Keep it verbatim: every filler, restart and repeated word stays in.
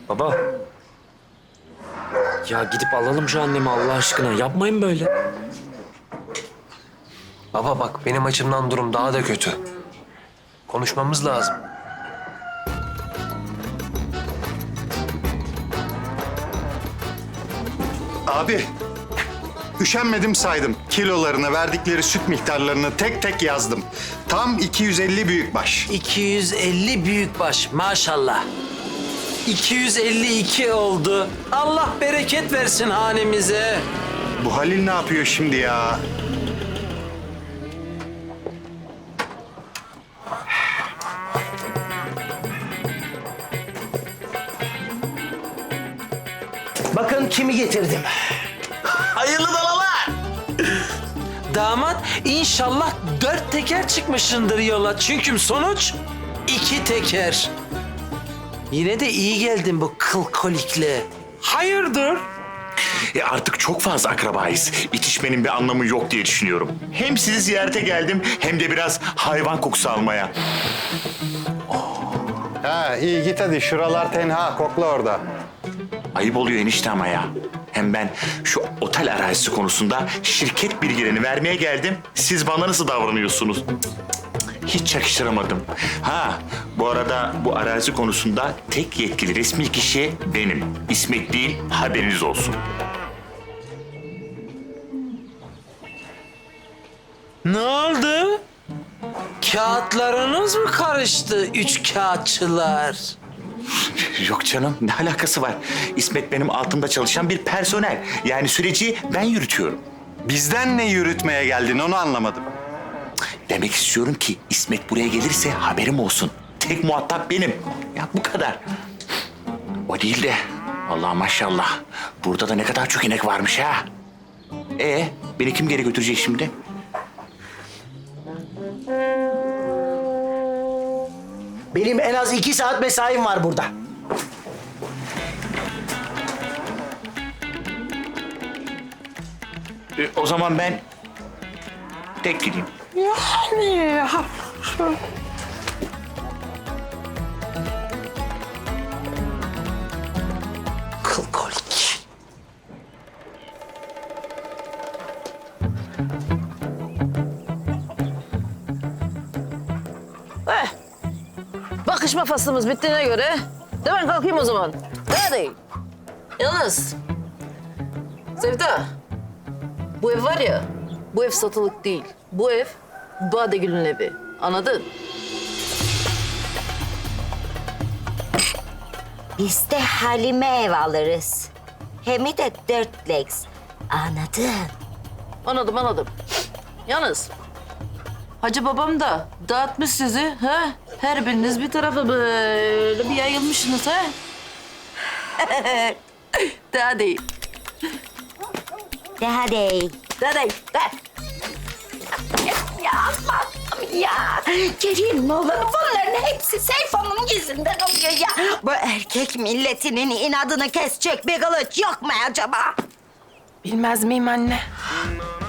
Baba. Ya gidip alalım şu annemi Allah aşkına. Yapmayın böyle. Baba bak benim açımdan durum daha da kötü. Konuşmamız lazım. Abi, üşenmedim saydım. Kilolarını, verdikleri süt miktarlarını tek tek yazdım. Tam iki yüz elli büyükbaş. iki yüz elli büyükbaş maşallah. iki yüz elli iki oldu. Allah bereket versin hanemize. Bu Halil ne yapıyor şimdi ya? Bakın kimi getirdim. Hayırlı dalalar. Damat inşallah dört teker çıkmışındır yola. Çünkü sonuç iki teker. Yine de iyi geldin bu kıl kolikle. Hayırdır? E artık çok fazla akrabayız. İtişmenin bir anlamı yok diye düşünüyorum. Hem sizi ziyarete geldim hem de biraz hayvan kokusu almaya. Ha iyi git hadi, şuralar tenha, kokla orada. Ayıp oluyor enişte ama ya. Hem ben şu otel arazisi konusunda şirket bilgilerini vermeye geldim. Siz bana nasıl davranıyorsunuz? Cık, cık, cık. Hiç yakıştıramadım. Ha, bu arada bu arazi konusunda tek yetkili resmi kişi benim. İsmet değil, haberiniz olsun. Ne oldu? Kağıtlarınız mı karıştı üç kağıtçılar? Yok canım, ne alakası var? İsmet benim altımda çalışan bir personel. Yani süreci ben yürütüyorum. Bizden ne yürütmeye geldin onu anlamadım. Demek istiyorum ki İsmet buraya gelirse haberim olsun. Tek muhatap benim. Ya bu kadar. O değil de Allah maşallah. Burada da ne kadar çok inek varmış ha. Ee, beni kim geri götürecek şimdi? Benim en az iki saat mesaim var burada. Ee, o zaman ben tek gideyim. Kıl kolik. Eh, bakışma faslımız bittiğine göre de ben kalkayım o zaman. Hadi. Yalnız Sevda, bu ev var ya, bu ev satılık değil. Bu ev Badegül'ün evi. Anladın? Biz de Halime ev alırız. Hem de dört legs. Anladın? Anladım, anladım. Yalnız Hacı babam da dağıtmış sizi. Ha? Her biriniz bir tarafa böyle bir yayılmışsınız. Ha? Daha değil. Daha değil. Daha değil. Daha. Ya Allah'ım ya. Gelin oğlanı bunların hepsi Seyfo'nun yüzünden oluyor ya. Bu erkek milletinin inadını kesecek bir kılıç yok mu acaba? Bilmez miyim anne?